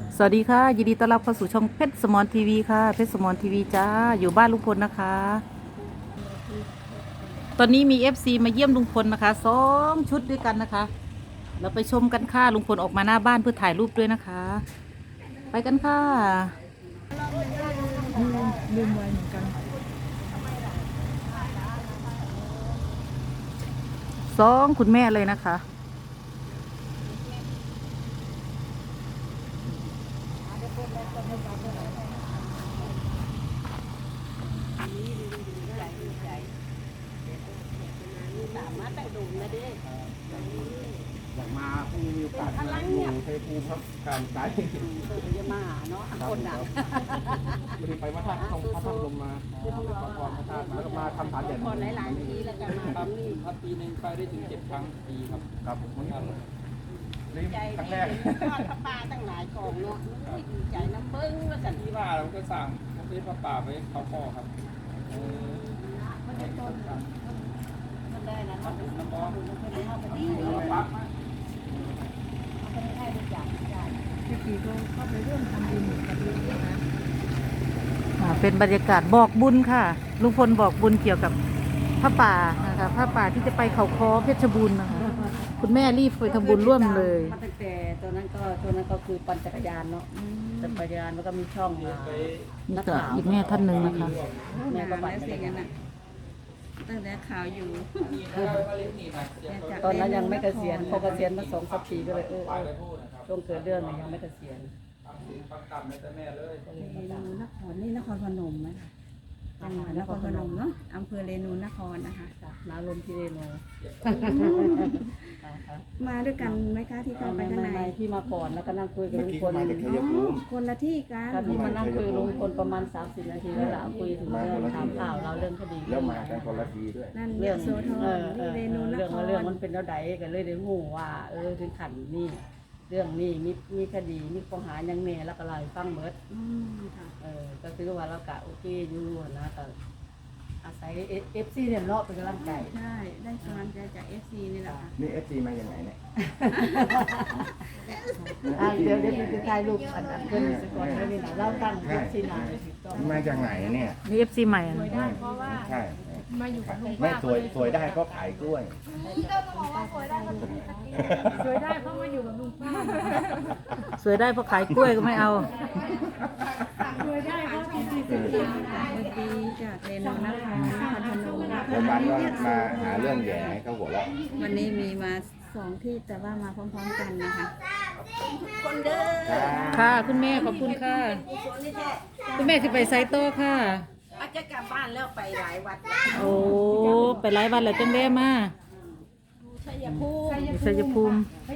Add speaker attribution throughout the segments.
Speaker 1: สวัสดีค่ะยินดีต้อนรับเข้าสู่ช่องเพชรสมรทีวีค่ะเพชรสมรทีวีจ้าอยู่บ้านลุงพลนะคะตอนนี้มี FC มาเยี่ยมลุงพลนะคะ2 ชุดด้วยกันนะคะเราไปชมกันค่ะลุงพลออกมาหน้าบ้านเพื่อถ่ายรูปด้วยนะคะไปกันค่ะลืมไว้เหมือนกัน2คุณแม่เลยนะคะ
Speaker 2: อยากมาพรุ่งนี้มีโอกาสมาอยู่ชัยภูมิครับการไกด์
Speaker 3: จะมาเนาะคนดัง
Speaker 2: ไม่ได้ไปวัดท่าพระธาตุลงมาขอพรพระธาตุมาแล้วก็มาทำฐานแด่น
Speaker 3: คนหลายๆทีแล้วกันมา
Speaker 4: ครับครับปีหนึ่งไปได้ถึง7 ครั้งปีครับ
Speaker 2: ครับวันนี้ลืม
Speaker 3: ใจ
Speaker 2: ครั้ง
Speaker 3: ดี
Speaker 2: แรก
Speaker 3: ทอดพระป่าตั้งหลายกองเนาะดีใจน้ำเบิ้งว่าสัน
Speaker 4: ที่ว่าเราก็สั่งพระพระป่าไปเขาพ่อครับ
Speaker 3: มันได้ต้นมันได้นะมันเป็นน้ำบอลมันเป็นข้าวเป็นดี
Speaker 4: ปั๊บ
Speaker 3: มันเป็นไข่ทุกอย่างได้
Speaker 1: เป็นบรรยากาศบอกบุญค่ะลุงพลบอกบุญเกี่ยวกับผ้าป่านะคะผ้าป่าที่จะไปเขาค้อเพชรบูรณ์นะคะคุณแม่รีบไปทำบุญร่วมเลย
Speaker 3: มาตั้งแต่ตัวนั้นก็คือปั่นจักรยานเนาะจักรยานแล้วก็มีช่องมา
Speaker 1: นี่ก็อีกแม่ท่านหนึ่งนะคะ
Speaker 3: แม่ก็ปั่นจักรยาน
Speaker 5: ตั้งแต่ข่าวอยู่
Speaker 3: ตอนนั้นยังไม่เกษียณพอเกษียณมา2-3 ปีก็เลยช่วงเกิดเรื่องยังไม่เกษียณ
Speaker 4: ปักต่ำในแต่แม่เลย
Speaker 5: เรนูนครนี่นครพนมไหมคะจังหวัดนครพนมเนาะอำเภอเรนูนครนะคะ
Speaker 3: น้าลมที่เรโน
Speaker 5: มาด้วยกันไหมคะที่เข้าไปข้างใน
Speaker 3: ไม่พี่มาก่อนแล้วก็นั่งคุยกับ
Speaker 2: เมื่อ
Speaker 3: ลุง
Speaker 2: กี้
Speaker 3: พล
Speaker 2: มาจากชัยภูมิ
Speaker 5: คนละที่กัน
Speaker 3: ครับพี่มานั่งคุยกับลุงพลประมาณ30 นาทีแล้วล่ะคุยถึงเรื่องถามข่าวเราเรื่องคดี
Speaker 2: แล้วมากันคนละทีด้วย
Speaker 5: นั่น
Speaker 3: เรื่
Speaker 5: เรื่
Speaker 3: อ
Speaker 5: อง งโซทอนนี่เรนูน
Speaker 3: เรื่อง
Speaker 5: ค
Speaker 3: ว่าร เรื่องมันเป็นแล้วใดกันเลยได้หูว่าถึงขันนี่เรื่องนี้มีคดีมีข้อหายังแน่แล้วก็ไล่ฟังเบิด
Speaker 5: ค่ะ
Speaker 3: ก็คือว่าเรากะโอเคอยู่นะแต่อาศัยFC เนี่ยเลาะเป็นกำลังใจ
Speaker 5: ใช่ได้กำลังใจจาก FC นี่แหละค่ะ
Speaker 2: นี่ FC มาอย่างไหนเนี่ย
Speaker 3: เดี๋ยวพี่ถ่ายรูปอันเกินสก่อนแล้วนี่นะเราตั้ง FC หน่อยถูกต้อง
Speaker 2: มาจากไหนเนี่ย
Speaker 1: นี่ FC ใหม่อะ
Speaker 2: ใช่มาอยู่กับลุงป้าสวยได้เพราะขายกล้วย
Speaker 1: สวยได้เพราะขายกล้วยก็ไม่เอา
Speaker 5: เมื่อกี้จากเรนูนครนครพนมนะคะ
Speaker 2: แล้วบ้านก็มาหาเรื่องแย่ให้เขาหัวเราะ
Speaker 5: วันนี้มีมา2 ที่แต่ว่ามาพร้อมๆกันนะคะ
Speaker 3: คนเด้อ
Speaker 1: ค่ะคุณแม่ขอบคุณค่ะ คุณแม่จะไปไซโต้ค่ะ
Speaker 3: อาจจะกลับบ้านแล้วไปหลายวัด
Speaker 1: โอ้ไปหลายวันแล้วจังแม่มา
Speaker 3: ชัยภูมิ
Speaker 1: ชัยภูมิ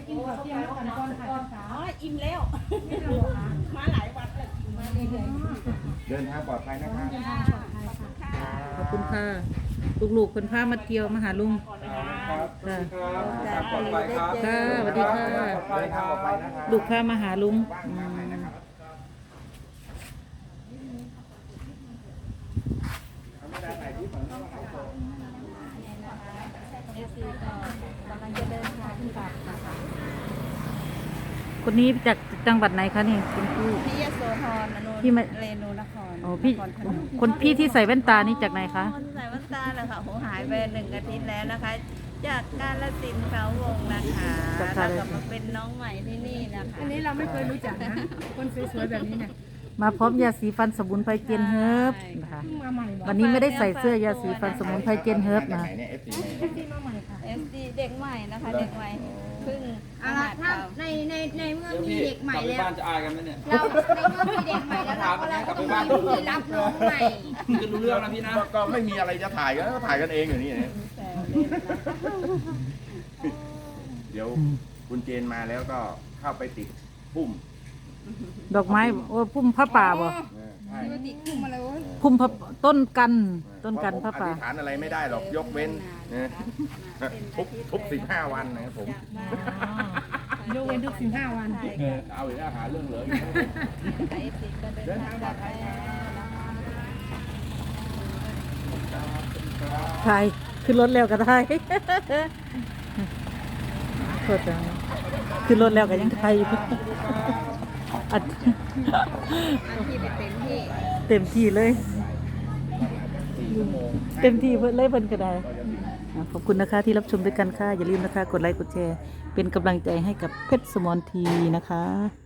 Speaker 3: อ๋ออิ่มแล้วมาหลายวัดแล้วกินมาเรื่อย
Speaker 2: เดินทางปลอดภัยนะครับ
Speaker 1: ขอบคุณค่ะลูกๆคนพามาเที่ยวมาหาลุง
Speaker 4: ครับครับปลอดภัยครับ
Speaker 1: ค่ะสวัสดีค่ะ
Speaker 2: เดินทางปลอดภัยนะครับ
Speaker 1: ลูกพามาหาลุงคนนี้จากจังหวัดไหนคะนี่คุณพี่
Speaker 5: พี่ยโสธรอนุ
Speaker 1: พี่มา
Speaker 5: เรนูนคร
Speaker 1: อ๋อพี่
Speaker 5: นครพนม
Speaker 1: คนพี่ที่ใส่แว่นตานี่จากไหนคะ
Speaker 5: คนใส่แว่นตาเลยค่ะโหหายไป1 อาทิตย์แล้วนะคะ จากกาฬสินธุ์เขาวงนะคะแล้วก็มาเป็นน้องใหม่ที่นี่นะคะ
Speaker 6: อันนี้เราไม่เคยรู้จักนะ คนสวยๆแบบนี้เนี่ย
Speaker 1: มาพร้อมยาสีฟันสมุนไพรเจนเฮิร์บนะคะ
Speaker 6: เพิ่งมาใหม่บอก
Speaker 1: วันนี้ไม่ได้ใส่เสื้อยาสีฟันสมุนไพรเจนเฮิร์บ
Speaker 2: มาจาก
Speaker 1: นะ
Speaker 2: ไหนเนี่ย FC
Speaker 6: ที่มาใหม่ค่ะ
Speaker 5: SD เด็กใหม่นะคะเด็กใหม่เพิ่ง
Speaker 6: เอาละถ้าในเมื่อ
Speaker 4: เดี๋ยว
Speaker 6: มี
Speaker 4: พี่
Speaker 6: เด็กใหม่
Speaker 4: กลับไป
Speaker 6: แล้ว
Speaker 4: บ้านจะอายกันไหมเนี่ย
Speaker 6: เราในเมื่อมีเด็กใหม่แล้วเราก็ต้องมีวิธีรับน้องใหม่
Speaker 4: จะรู้เรื่องนะพี่นะ
Speaker 2: ก็ไม่มีอะไรจะถ่ายก็ถ่ายกันเองอยู่นี่นะ
Speaker 5: แต่เล่นนะ
Speaker 2: เดี๋ยวคุณเจนมาแล้วก็เข้าไปติดพุ่ม
Speaker 1: ดอกไม้โอ้พุ่มผ้าป่าบ่
Speaker 2: ใช่
Speaker 6: ปกติขึ้นมาเลยเว้ย
Speaker 1: พุ่มผ้าต้นกันผ้า
Speaker 2: เพ
Speaker 1: ป่า
Speaker 2: ระผมอธิษฐานอะไรไม่ได้หรอกยกเว้นนะทุก15 วันนะครับผม
Speaker 6: ยกเว้นทุก15 วัน
Speaker 2: เอาอีกแล้วหาเรื่องเหลืออีก
Speaker 5: แต่ SD ก็เดินทางกลับแล้วนะคะ
Speaker 1: ใช่ขึ้นรถแล้วก็ได้โทษนะขึ้นรถแล้วก็ยังไทยอยู่อัด
Speaker 6: อันที่ไปเต็มที่
Speaker 1: เต็มที่เลย เต็มที่เพิ่นเลยเพิ่นก็ได้ขอบคุณนะคะที่รับชมด้วยกันค่ะ อย่าลืมนะคะ กดไลค์กดแชร์เป็นกำลังใจให้กับเพชรสมรทีนะคะ